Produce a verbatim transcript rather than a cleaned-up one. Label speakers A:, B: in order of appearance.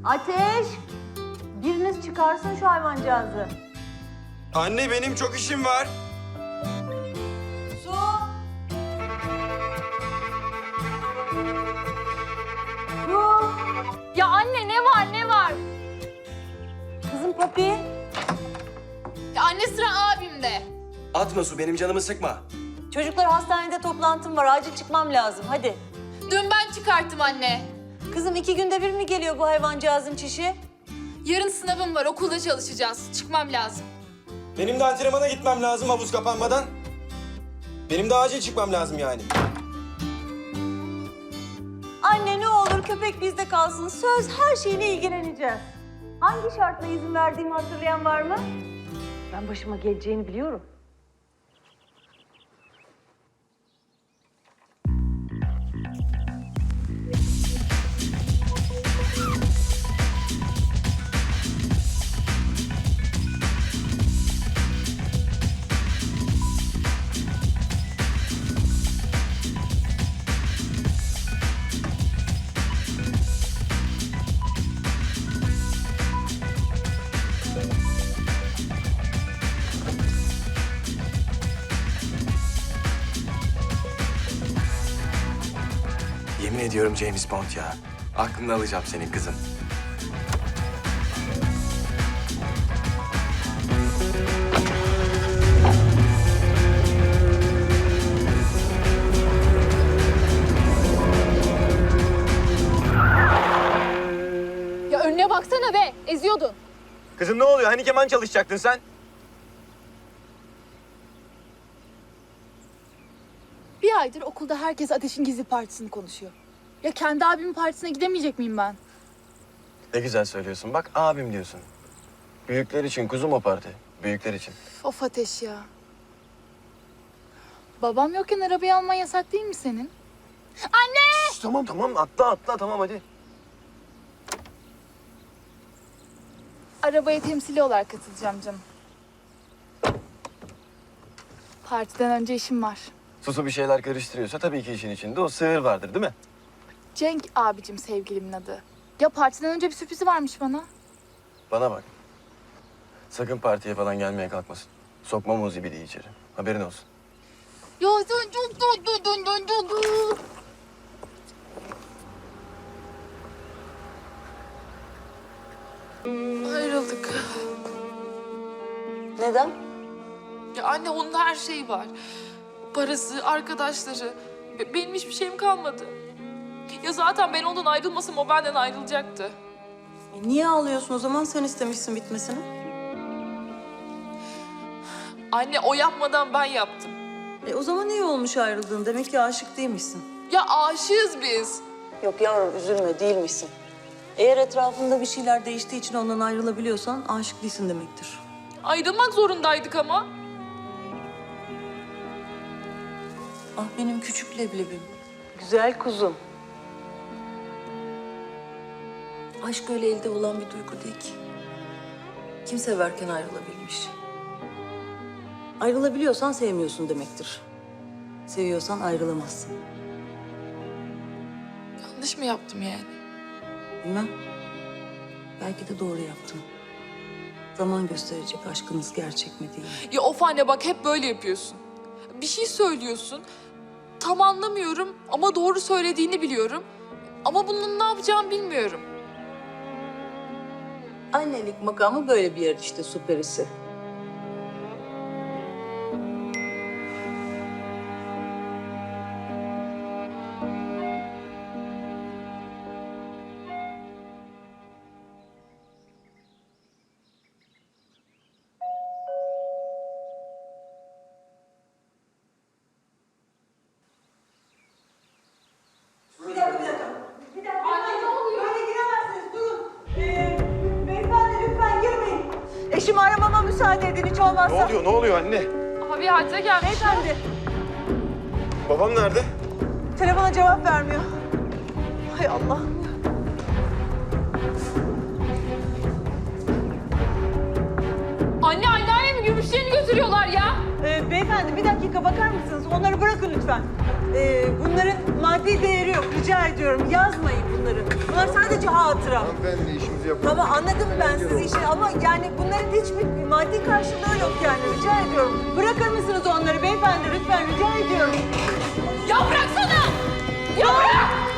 A: Ateş! Biriniz çıkarsın şu hayvancağızı.
B: Anne benim çok işim var.
A: Su! Su!
C: Ya anne ne var ne var?
A: Kızım Papi.
C: Ya anne sıra abimde.
B: Atma Su, benim canımı sıkma.
A: Çocuklar hastanede toplantım var. Acil çıkmam lazım. Hadi.
C: Dün ben çıkarttım anne.
A: Kızım iki günde bir mi geliyor bu hayvancağızın çişi?
C: Yarın sınavım var, okulda çalışacağız. Çıkmam lazım.
B: Benim de antrenmana gitmem lazım havuz kapanmadan. Benim de acil çıkmam lazım yani.
A: Anne ne olur köpek bizde kalsın. Söz her şeyine ilgileneceğiz. Hangi şartla izin verdiğimi hatırlayan var mı? Ben başıma geleceğini biliyorum.
B: Yemin ediyorum James Bond ya. Aklını alacağım senin kızım.
C: Ya önüne baksana be, eziyordun.
B: Kızım ne oluyor? Hani keman çalışacaktın sen?
C: Bir aydır okulda herkes Ateş'in gizli partisini konuşuyor. Ya kendi abimin partisine gidemeyecek miyim ben?
B: Ne güzel söylüyorsun. Bak abim diyorsun. Büyükler için kuzum o parti. Büyükler için.
C: Of Ateş ya. Babam yokken arabayı alman yasak değil mi senin? Anne!
B: Şş, tamam tamam atla atla tamam hadi.
C: Arabaya temsili olarak katılacağım canım. Partiden önce işim var.
B: Susu bir şeyler karıştırıyorsa tabii ki işin içinde o sığır vardır değil mi?
C: Cenk abicim sevgilimin adı. Ya partiden önce bir sürprizi varmış bana.
B: Bana bak. Sakın partiye falan gelmeye kalkmasın. Sokmam o zibidi içeri. Haberin olsun.
C: Ya sen çok tatlı dön dön dön dön. Ayrıldık.
A: Neden?
C: Ya anne onun her şeyi var. Parası, arkadaşları. Be- Benim hiçbir şeyim kalmadı. Ya zaten ben ondan ayrılmasam o benden ayrılacaktı.
D: E niye ağlıyorsun o zaman? Sen istemişsin bitmesini.
C: Anne o yapmadan ben yaptım.
D: E o zaman iyi olmuş ayrıldığın. Demek ki aşık değilmişsin.
C: Ya aşığız biz.
D: Yok yavrum üzülme değilmişsin. Eğer etrafında bir şeyler değiştiği için ondan ayrılabiliyorsan aşık değilsin demektir.
C: Ayrılmak zorundaydık ama.
D: Ah benim küçük leblebim.
A: Güzel kuzum.
D: Aşk öyle elde olan bir duygu değil ki. Kim severken ayrılabilmiş. Ayrılabiliyorsan sevmiyorsun demektir. Seviyorsan ayrılamazsın.
C: Yanlış mı yaptım yani?
D: Bilmem. Belki de doğru yaptın. Zaman gösterecek aşkınız gerçek mi değil mi?
C: Ya of anne bak hep böyle yapıyorsun. Bir şey söylüyorsun. Tam anlamıyorum ama doğru söylediğini biliyorum. Ama bunun ne yapacağımı bilmiyorum.
D: Annelik makamı böyle bir yer işte süperisi.
E: Bir dakika, bir dakika. Bir dakika. Anne ne oluyor? Böyle giremezsiniz, durun. Ee, beyefendi lütfen girmeyin.
A: Eşimi aramama müsaade edin hiç olmazsa.
B: Ne oluyor ne oluyor anne?
C: Abi hacca gelmiş.
A: Beyefendi,
B: Babam nerede?
A: telefona cevap vermiyor. Hay Allah.
C: Anne anneannemi gümüşlerini götürüyorlar ya.
A: Ee, beyefendi bir dakika bakar mısınız? Onları bırakın lütfen.
E: Ee, bunların maddi değeri yok. Rica ediyorum yazmayın bunları. Bunlar sadece hatıra.
F: Hanımefendi işimizi yapalım.
E: Tamam anladım ben sizi işi ama yani bunların hiçbir maddi karşılığı yok yani. Rica ediyorum. Bırakır mısınız onları beyefendi lütfen rica ediyorum.
C: Ya bıraksana! Ya bırak!